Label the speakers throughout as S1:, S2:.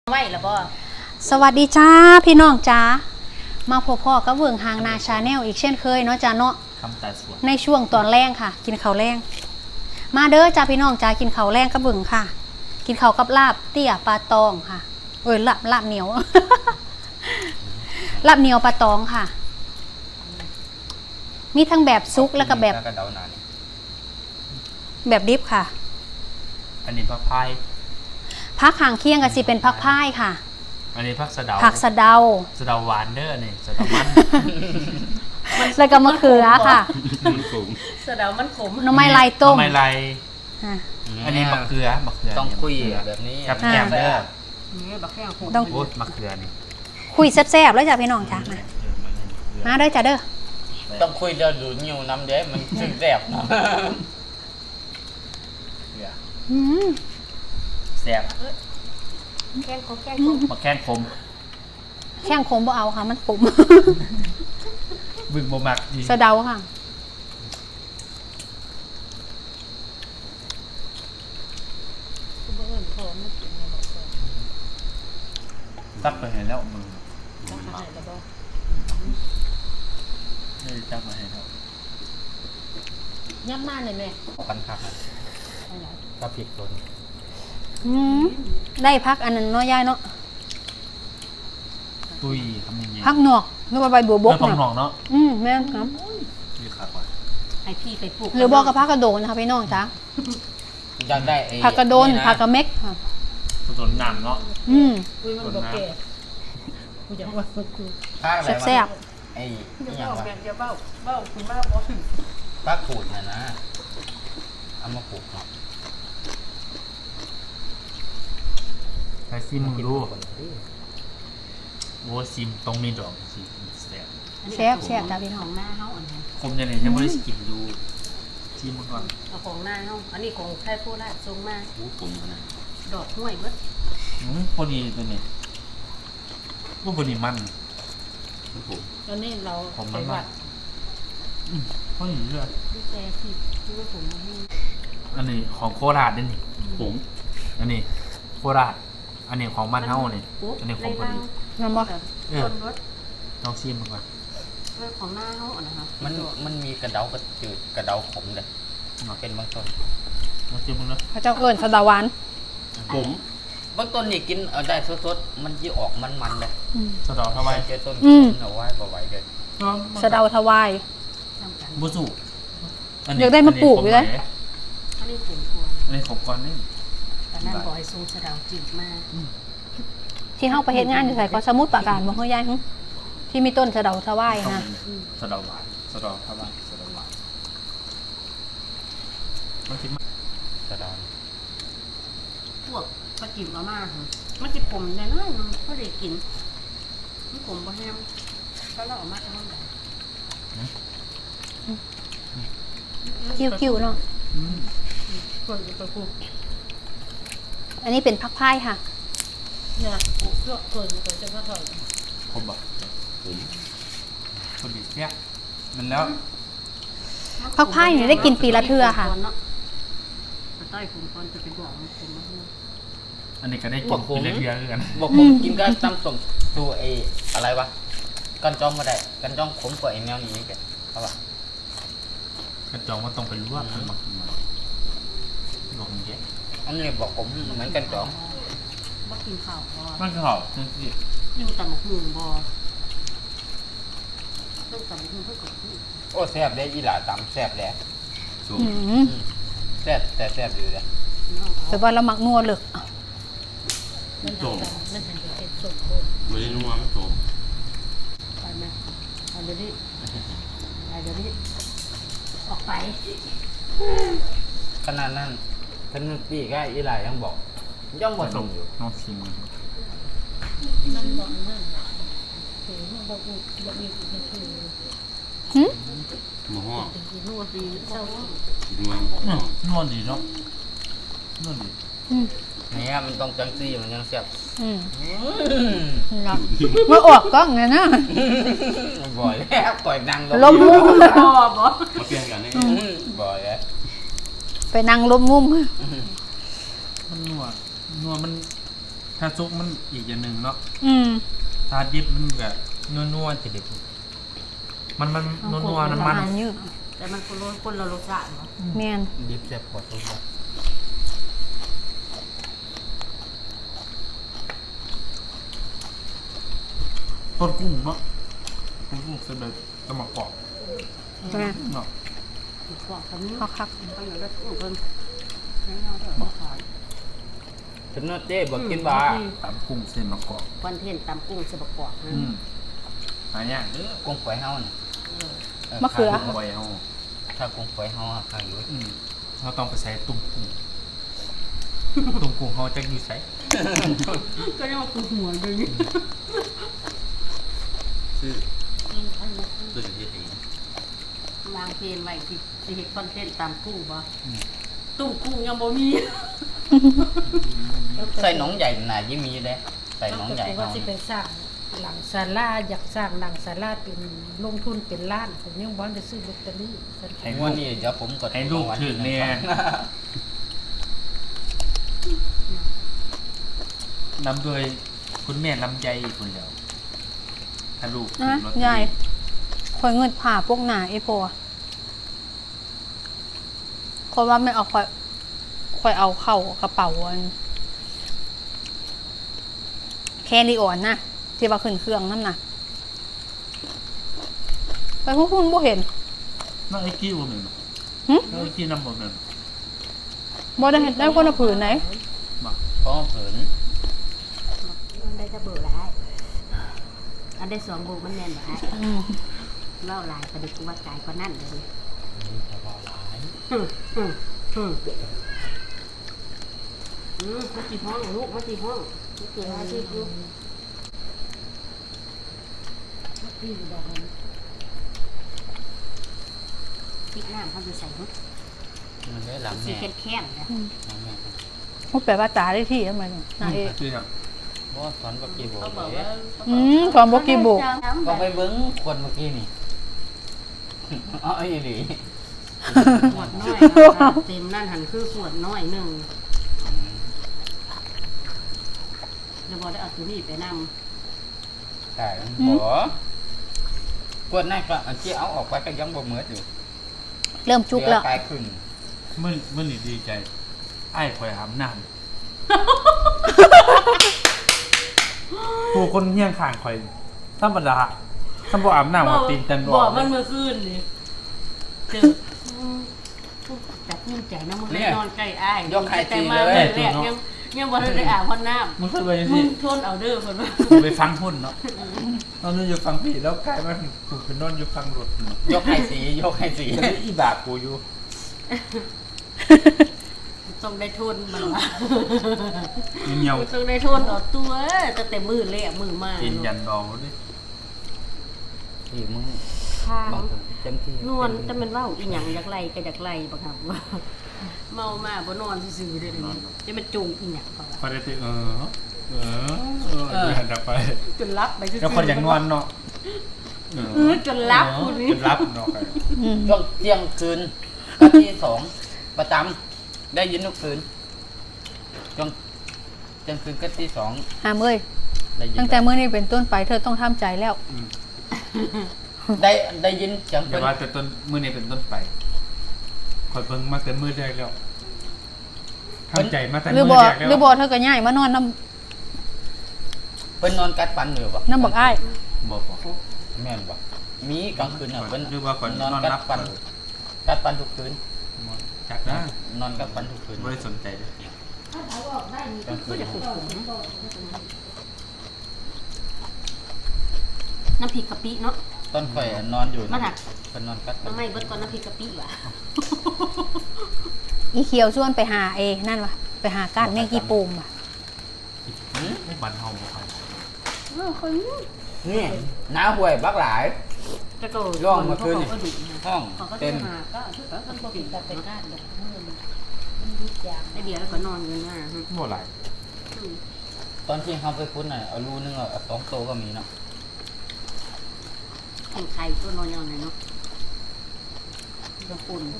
S1: ไหวแล้วบ่
S2: สวัสดีจ้าพี่น้องจ้ามาพบพ่อกับเวิงหางนาชาแนลอีกเช่นเคยเนาะจ้าเนาะในช่วงตอนแรงค่ะ กินข้าวแรงมาเด้อจ้าพี่น้องจ้ากินข้าวแรงกับเวิงค่ะ กินข้าวกับลาบเตี้ยปลาตองค่ะลาบเหนียว ลาบเหนียวปลาตองค่ะ มีทั้งแบบซุกแล้วก็แบบดิบค่ะ
S3: อันนี้ผักพาย
S2: ผักหางเคียงก็สิเป็นผักพายค่ะ
S3: อันนี้ผักสะเดา
S2: ผักสะเดา
S3: หวานเด้อนี่สะเดามัน
S2: แล้วก็มะเขือค่ะ
S1: สะเดามันขม
S2: น้ำไม้ลายต้ม
S3: น้ำไม้ลายอันนี้มะเขือ
S4: ต้องคุยแบบนี้
S3: กับแกมเด้อ
S1: นี่บักแข้งขม
S2: ต้อง
S3: มะเขือนี่
S2: คุยแซ่บๆแล้วจ้ะพี่น้องจ้ะมาเด้อจ้ะเด้อ
S4: ต้องคุยเรื่องดูนิ้วน้ำเด้มันถึงแซ่บเนาะแซ่บ
S1: แข้งขม
S3: มะแข้งขม
S2: แข้งขมบ่เอาค่ะมันขม
S3: บึ้งบ่มักดี
S2: สะเดาค่ะ
S3: ตักไปให้แล้วมึงตักไปให้แล้ว
S1: ย่ำมาเลยแม่
S4: ปันผักก็ผิดตัว
S2: ได้พักอันนั้นเนาะยายเนาะ
S3: ตุ้ยทำยังไง
S2: พักหนอกหรือว่าใบบัวบก
S3: พักหนอกเนาะ
S2: แม่ครับ
S3: ดีขาดว่ะ
S1: ให้พี่ไปปลูก
S2: หรือบอกกับพักกระโดนนะคะพี่น้องจ้ะ
S4: อยากได้
S2: ผักกระโดนผักกระเม็กค่ะ
S3: ต้นหนามเนาะ
S1: มันบ่แก่กูอยากว่ากู
S2: แซ่บ
S4: ไอ้อย่างว่า
S1: จะเบ้าคุณมาบ่ถึง
S4: ป้าขูดนะเอามาปลูกเนาะ
S3: ไปซิมมึงดูโอ้ซิมต้องมีดอกสิ
S2: แซ่บจ้ะพี่น้อง
S1: ของหน้าเฮาอันนี้
S3: คมยังไงยังไม่ได้กินดูชิมก่อน
S1: เอาของหน้าเฮาอันนี้ของไทยโคราชส่งมา
S4: ผมนะ
S1: ดอกห้วยเบิด
S3: พอดีตัวนี้พอดีมัน
S1: ตอนนี้เราไปวัด
S3: พอดีเลย
S1: ดูแต่สิดูว่าผมมาให้
S3: อันนี้ของโคราชนี่ผมอันนี้โคราชอันนี้ของบ้านเฮาเนี่ยอันนี้ของพอดี
S2: น้ำบ่
S3: ลองชิมก่อน
S1: ของหน้าเฮาอ่ะนะคะ
S4: มันมีกระเดากระจืดกระเดาขมเลยเป็นบางต้น
S3: ลองชิมมึงนะ
S2: พระเจ้าเอิญสะเดาหวาน
S4: ผมบางต้นนี่กินเอาได้สดๆมันจะออกมันๆเลย
S3: สะเดาทวาย
S4: เจอต้นเอาไว้บ่ไหวเลย
S2: สะเดาทวาย
S3: บุสุ
S2: อยากได้มาปลูกอยู่เลย
S1: อันนี้ผมควร
S3: อันนี้ของก่อนนี่
S1: แต่นั่นบ่อยทรงสะเดาจืดมาก
S2: ที่เฮาไปเฮ็ดงานอยู่ไสก็สมุทรปราการบ่เฮายายที่มีต้นสะเดาทวายนะ
S3: สะเดาหวานสะเดาทวายสะเดาหวานมันกินมา
S4: สะเดา
S1: พวกปลาจิ๋วมาม่ามันจะขมแน่นอนเขาได้กินมันขมบ่แห้งก็เราออกมาจะห้องไหน
S2: คิวๆเนาะอันนี้เป็นพักพายค่ะ
S1: เนี่ยเลือกเกินตัวจะก็ถอย
S3: ผมบอกคนดีแซ่บมันแล้ว
S2: พักพายเนี่ยได้กินปีละเทื่อค่ะ
S1: ใต้ผมก่อนจะไปบอกผมมา
S3: อันนี้ก็ได้กินปีละเทื่อกัน
S4: บอกผมกินก็ตำส้มดูไอ้อะไรวะกันจ้องมาได้กันจ้องขมกว่าไอ้แมวนี้แกเขาบอก
S3: กันจ้องว่าต้องไปลวกมันมากินมาลงเยอะ
S4: อันนี้บอกผมเหมือนกันจ้อง
S1: บ่กินข้าวบ่
S3: มันคือข้าวจริง
S1: อยู่ตำบักหุ่งบ่ต้องตำบักหุ่งเพื่อกับ
S4: โอ้แซ่บได้อีหล่าตำแซ่บแล้วแซ่บแต่แซ่บอยู่เลย
S2: แต่ว่าเราหมักนัวเลย
S1: โจมนั่นเป็นโจม
S3: ไม่ได้นัวไม่โจม
S1: ไปไหมเอาเดี๋ยวนี้ออกไป
S4: ขนาดนั้นท่านพี่ก็อีหล่ายังบอกย่อมบ่ส่งอยู่
S3: น้องชิม
S1: นั่นบอกนั่นคือมันบอกมีไม่คือ
S3: หมูห่อ
S1: นัวดีเศร้า
S3: นัวดีเนาะนัวดี
S4: เนี่ยมันต้องจังซี่มันยังแซ่บ
S2: เมื่อออกก็ไงนะ
S4: บ่อยแล้วปล่อยนั่ง
S2: ล้มมุม
S3: มาเปลี่ยนกันนี่
S4: บ่อยแล้ว
S2: ไปนั่งล้มมุม
S3: มันนัวมันถ้าซุกมันอีกอย่างหนึ่งเนาะ
S2: อืม
S3: ถ้าดิบมันแบบนัวๆจะเด็กมันนัวๆน้ำมัน
S2: อาหารเยอะ
S1: แต่มันคนละรสชาติเนาะ
S2: แม่น
S4: ดิบแซ่บพอทุกอย่าง
S3: ต้นกุ้งเนาะต้นกุ้งเสด็จตะหมักกรอบ
S2: แม่น
S3: เนาะ
S1: บอกเขานี่
S2: เขาคัก
S1: เขาอยู่ได้ทุกคนให้เราเถอะมาขาย
S4: ถึงนอเจ้บอกกินบา
S3: ตำกุ้งเส้นมะกรอบ
S1: คอนเทนต์ตำกุ้งเสบกอกนะ
S3: หายากเด้อ
S4: กุ้งฝอยเฮาเนี่ย
S2: มะเขือ
S3: กุ้งไว้เฮา
S4: ถ้ากุ้งฝอยเฮาอะค่ะอยู่
S3: เราต้องไปใส่ตุ่มกุ้งตุ่มกุ้งเฮาจะอยู่ใส่
S1: ก็เรียกว่าคือหัวเลยนี่
S4: ซื้อซื้อที่ดี
S1: วางเพลนไว้ที่เห็นคอนเทนต์ตำกุ้งบ่ตุ้มกุ้งยังบ่มี
S4: ใส่หนองใหญ่น่ะยิ่งมีเลยใส่หนองใหญ่
S5: ว่า
S4: เฮา
S5: สิไปสร้างหลังศาลาอยากสร้างหลังศาลาเป็นลงทุนเป็นล้านผมยังบ่ได้ซื้อลอตเตอรี่
S4: ไอ้งวดนี้เดี๋ยวผมก็
S3: ให้ลูกถึงเนี่ยนำโดยคุณแม่ลำใจอีกคนเดียวถ้าลูกถึ
S2: นะ
S3: งลอตเตอรี่
S2: ยายข่อยเงินผ่าพวกหนาไอ้พอคนว่าไม่เอาข่อยเอาเข้ากระเป๋าอันแคริออนนะที่ว่าขึ้นเครื่องนั่นน่ะไปพวกคุณบ่เห็น
S3: น้องไอ้กี้บ่แม่นบ่
S2: หึ
S3: น้องไอ้กี้นำบ่แม่น
S2: บ่ได้เห็นได้คนละผืนไหน
S3: บ่
S4: เพราะเผิน
S1: มันได้จะเบื่อแล้วอันได้2 บุกมันแน่นบ่ฮะ
S2: อืม
S1: เล่าหลายประเด็นกูว่ากายก็นั่นเลย
S4: เฉพาะหลาย
S1: มากี่ห้องลูกมากี่ห้องมากี่อาชีพลูกพริกน้ำเขาจะใส่หุ้
S4: มันได้หลัง
S1: สี
S4: แม่
S1: แข็งๆนะ
S4: หลังแม่
S2: พูดแปลว่าจ๋าได้ที่ทำไมเนี่ยนายเอก
S3: คือจัง
S4: เพราะว่าสอนเมื่อกี้บอก
S1: เขาบอก
S4: เล
S1: ว่าย
S2: สอนบอกกี่บุก
S4: ก็ไปเบิ้งคนเมื่อกี้นี่อ๋อไอ้หลี
S1: ขวดน้อยเต็มนั่นหันคือขวดน้อยหนึ่งเดี๋ยวบอกได้เอาตัวนี้ไปน
S4: แต่บ่กวดนั่นก็อันที่เอาออกไปก็ยังบ่เหมือนอยู่
S2: เริ่มจุกแล้ว
S4: เดี๋ยไปขึ้น
S3: มื้อนี้ดีใจไอ้ข่อยอาบน้ำผู้คนเฮี้ยงข้างข่อยธรรมดาถ้าบ่อาบ
S1: ำ
S3: น้ำว่าตีนตัน
S1: บอกมันเมื่อคืนนี่เจอจับนิ่มใจนะมึงนอนใกล้อ้ายแต่มาเลยแรกยังบ่ได้อาบพ่อน้ำ
S3: มันเคยไป
S1: มึ
S3: สิ
S1: งทนเอาเด้อเพิ่นว่า
S3: ไปฟังหุ่นเนาะนอนอยู่ฟังพี่แล้วกลายมาถูกเป็นนอนอยู่ฟังรถ
S4: ยกให้สียกให้สี
S3: จะได้อีบาปกูอยู่
S1: ต้องได้ทนมันว่า
S3: เงียว
S1: ต้องได้ทนเอาตัวตั้งแต่มือแรกมือมา
S3: กินยันดองดิ
S4: นี่มึง
S1: ข้าง
S4: บอกเต็มที่
S1: นวลแต่มันเว้าอีหยังอยากไล่ก็อยากไล่บ่ครับว่าเมามาบ่นอนซื่อๆเด้อนี่จะมันจูงอีหยังเขา
S3: พอได้ติยันดับไป
S1: จนรับไปซื่อๆ
S3: แล้วคนอย่างนวลเนาะ
S1: จนรับคุณนี่
S3: จนรับเนาะ
S4: ช่วงเที่ยงคืนกับที่2ประจำได้ยินทุกคืนช่วงเที่ยงคืนกับที่2
S2: หามเอ้ย
S4: ได้ยิน
S2: ตั้งแต่มื้อนี้เป็นต้นไปเธอต้องทำใจแล้ว
S4: ได้ยินเสียง
S3: อย่าว่าแต่ต้นมือนี้เป็นต้นไปคอยเบิ่งมาแต่มือแรกแล้วทำใจมาแต่
S2: หรือ
S3: มื
S2: บ่
S3: อแรกแล้ว
S2: หรือบ่เธอก็ย้ายมานอนน้
S4: เพิ่นนอนกัดฟันอยู่บ่
S2: ำน้ำบักอ้าย
S3: บอก
S4: แม่นบ่มีกลางคืนน่ะเพิ่น
S3: หรือว่าก่อน
S4: นอน
S3: นอน
S4: กั
S3: รั
S4: ด
S3: บ
S4: ฟันกัดฟันทุกคืน
S3: จักนะ
S4: นอนกัดฟันทุกคืน
S3: ไม่ได้สนใจเลย
S4: กลางคืน
S1: น้ำพริกกะปิเนาะ
S4: ต้นข่อยนอนอยู่
S1: มันหัก
S4: เพิ่นนอนกัดฟั
S1: มัน นไม่เบิดก่อนน้ำพริกกะปิว่ะ
S2: อีเขียวชวนไปหานั่นวะไปหาก้านแมงกีปูมว่ะ
S3: บันเฮาบ่ครับ
S1: คน
S4: นี่น้าห่วยบักหลาย
S1: จะโต
S4: ร่องมาคืนนี่
S1: เขาก็ดุ
S4: ห้อง
S1: เขาก็
S4: เต็
S1: จะ
S4: ม
S1: หาก็ชุดก็คนปกติ
S5: แต่ไปก้านแบบมันยุดยาง
S1: ไอเดียแล้วก็นอนกันมา
S3: บ่หลาย
S4: ตอนที่เขาไปคุ้นน่ะเอารูนึงเอา2โตก็มีเนาะ
S1: แข่งไข่ตัวนอนยังไงเนาะจะฝุ่น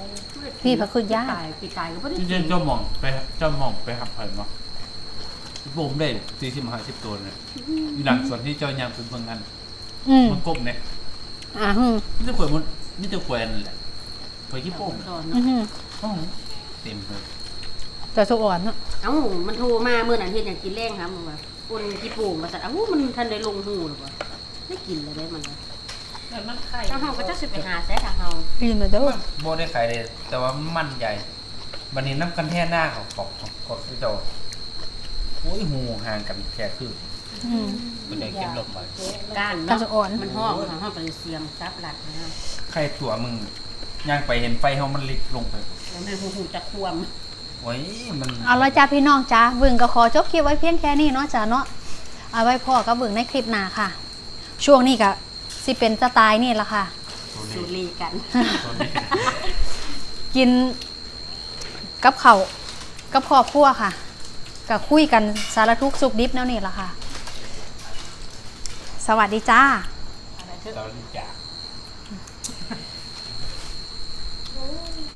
S2: พี่พระคืนย่า
S1: ตายปีตายก็ไม่ได้
S3: จริงๆเจ้ามองไปหับไผ่มาโบ่มได้40-50ตัวเลยอยู่หลังส่วนที่เจ้ายามเป็นเมืองกัน มันกบเนี่ย นี่จะขวยมันนี่จะขวยนั่นแหละขวยขี้โป่ง
S1: ตอน
S3: เต็มเลย
S2: แต่สุกอ่อนเนาะ
S1: เอ้ามันโทรมาเมื่อนั้นเฮ็ดหยังกินแรงครับมึงว่าอุ่นกี่ปูมาสั่นอ้าวมันทันได้ลงหูหรือเปล่าได้กินเลยได้มันเลย
S5: แต่มันไข่
S1: ทางเฮาก็จะสิไปหาแซ่ทางเฮา
S2: กินมาเด้อ
S3: โบได้ขายเลยแต่ว่ามันใหญ่วันนี้น้ำกันแท่หน้าของของที่เจ้าโอ้ยหูห่างกันแค่คือมันได้เก็บลมไป
S1: ก้าน
S2: กระ
S1: เนาะ
S2: สุกอ่อน
S1: มันห้องเฮาก็เลยเสียงซับหลัดนะ
S3: ใครถั่วมึงย่างไปเห็นไฟเขามันลิกลงไป
S1: แล้วแม่หูจะควม
S3: โอ้ยมัน
S2: เอาละจ้าพี่น้องจ้าเบิ่งก็ขอจบคลิปไว้เพียงแค่นี้เนาะจ้าเนาะเอาไว้พ่อก็เบิ่งในคลิปหน้าค่ะ ช่วงนี้ก็สิเป็นสไตล์นี่ละค่ะ
S1: สูรีกัน
S2: กินกับเขาวกับครอบครัวค่ะก็คุยกันสารทุกข์สุขดิบแนวนี้ละค่ะ สวัสดีจ้า
S1: อะไรเถอะ
S3: เราดีจาก